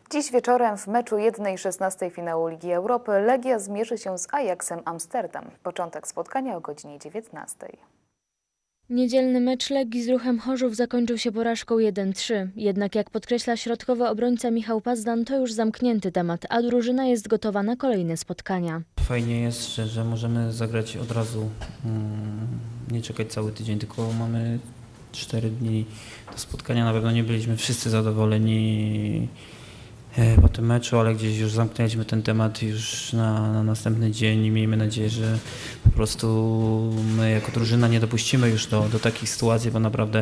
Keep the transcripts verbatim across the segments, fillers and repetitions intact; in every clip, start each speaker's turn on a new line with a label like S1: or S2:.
S1: Dziś wieczorem w meczu jeden szesnastej finału Ligi Europy Legia zmierzy się z Ajaxem Amsterdam. Początek spotkania o godzinie dziewiętnastej.
S2: Niedzielny mecz Legii z Ruchem Chorzów zakończył się porażką jeden trzy. Jednak jak podkreśla środkowy obrońca Michał Pazdan, to już zamknięty temat, a drużyna jest gotowa na kolejne spotkania.
S3: Fajnie jest, że, że możemy zagrać od razu, hmm, nie czekać cały tydzień, tylko mamy cztery dni do spotkania. Na pewno nie byliśmy wszyscy zadowoleni po tym meczu, ale gdzieś już zamknęliśmy ten temat już na, na następny dzień i miejmy nadzieję, że po prostu my jako drużyna nie dopuścimy już do, do takich sytuacji, bo naprawdę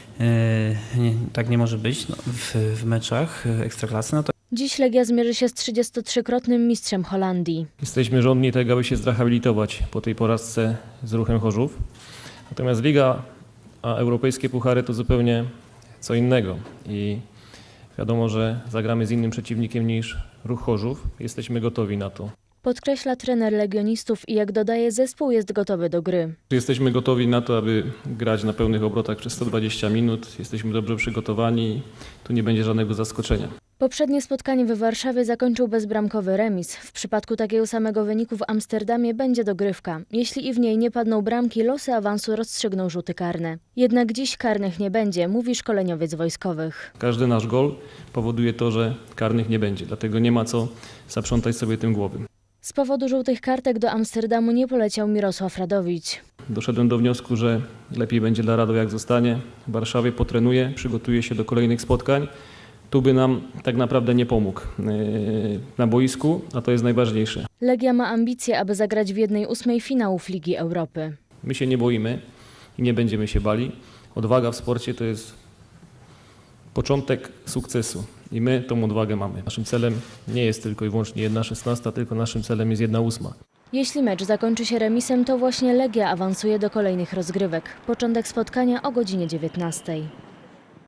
S3: e, nie, tak nie może być no, w, w meczach Ekstraklasy. No to
S2: Dziś Legia zmierzy się z trzydziestotrzykrotnym mistrzem Holandii.
S4: Jesteśmy żądni tego, aby się zrehabilitować po tej porażce z Ruchem Chorzów. Natomiast Liga, a europejskie puchary to zupełnie co innego. I wiadomo, że zagramy z innym przeciwnikiem niż Ruch Chorzów. Jesteśmy gotowi na to.
S2: Podkreśla trener legionistów i jak dodaje, zespół jest gotowy do gry.
S4: Jesteśmy gotowi na to, aby grać na pełnych obrotach przez sto dwadzieścia minut. Jesteśmy dobrze przygotowani. Tu nie będzie żadnego zaskoczenia.
S2: Poprzednie spotkanie w Warszawie zakończył bezbramkowy remis. W przypadku takiego samego wyniku w Amsterdamie będzie dogrywka. Jeśli i w niej nie padną bramki, losy awansu rozstrzygną rzuty karne. Jednak dziś karnych nie będzie, mówi szkoleniowiec wojskowych.
S4: Każdy nasz gol powoduje to, że karnych nie będzie. Dlatego nie ma co zaprzątać sobie tym głowy.
S2: Z powodu żółtych kartek do Amsterdamu nie poleciał Mirosław Radowicz.
S4: Doszedłem do wniosku, że lepiej będzie dla Rado jak zostanie w Warszawie, potrenuje, przygotuje się do kolejnych spotkań. Tu by nam tak naprawdę nie pomógł yy, na boisku, a to jest najważniejsze.
S2: Legia ma ambicje, aby zagrać w jednej ósmej finałów Ligi Europy.
S4: My się nie boimy i nie będziemy się bali. Odwaga w sporcie to jest początek sukcesu i my tą odwagę mamy. Naszym celem nie jest tylko i wyłącznie jedna szesnasta, tylko naszym celem jest jedna ósma.
S2: Jeśli mecz zakończy się remisem, to właśnie Legia awansuje do kolejnych rozgrywek. Początek spotkania o godzinie dziewiętnastej.